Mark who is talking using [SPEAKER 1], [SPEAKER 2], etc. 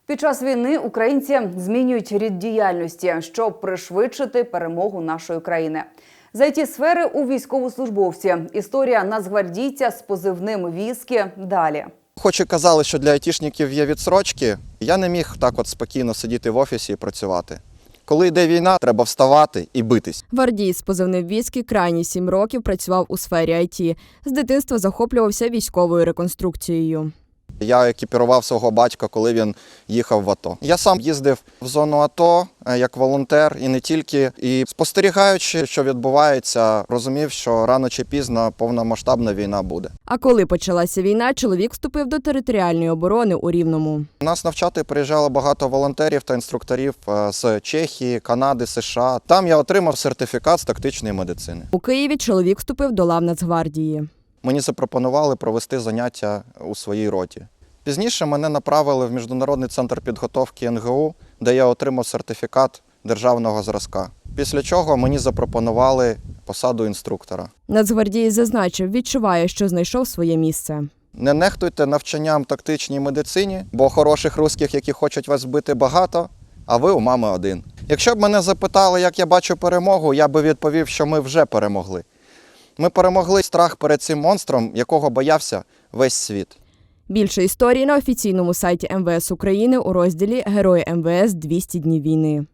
[SPEAKER 1] Під час війни українці змінюють рід діяльності, щоб пришвидшити перемогу нашої країни. З ІТ-сфери у військовослужбовці. Історія нацгвардійця з позивним «Віскі» далі.
[SPEAKER 2] Хоч і казали, що для айтішників є відстрочки, я не міг так от спокійно сидіти в офісі і працювати. Коли йде війна, треба вставати і битись.
[SPEAKER 3] Гвардієць з позивним «Віскі» крайні 7 років працював у сфері ІТ. З дитинства захоплювався військовою реконструкцією.
[SPEAKER 2] Я екіпірував свого батька, коли він їхав в АТО. Я сам їздив в зону АТО як волонтер і не тільки. І спостерігаючи, що відбувається, розумів, що рано чи пізно повномасштабна війна буде.
[SPEAKER 3] А коли почалася війна, чоловік вступив до територіальної оборони у Рівному.
[SPEAKER 2] Нас навчати приїжджало багато волонтерів та інструкторів з Чехії, Канади, США. Там я отримав сертифікат з тактичної медицини.
[SPEAKER 3] У Києві чоловік вступив до лав Нацгвардії.
[SPEAKER 2] Мені запропонували провести заняття у своїй роті. Пізніше мене направили в Міжнародний центр підготовки НГУ, де я отримав сертифікат державного зразка. Після чого мені запропонували посаду інструктора.
[SPEAKER 3] Нацгвардієць зазначив, відчуває, що знайшов своє місце.
[SPEAKER 2] Не нехтуйте навчанням тактичній медицині, бо хороших русських, які хочуть вас збити, багато, а ви у мами один. Якщо б мене запитали, як я бачу перемогу, я би відповів, що ми вже перемогли. Ми перемогли страх перед цим монстром, якого боявся весь світ.
[SPEAKER 3] Більше історій на офіційному сайті МВС України у розділі «Герої МВС. 200 днів війни».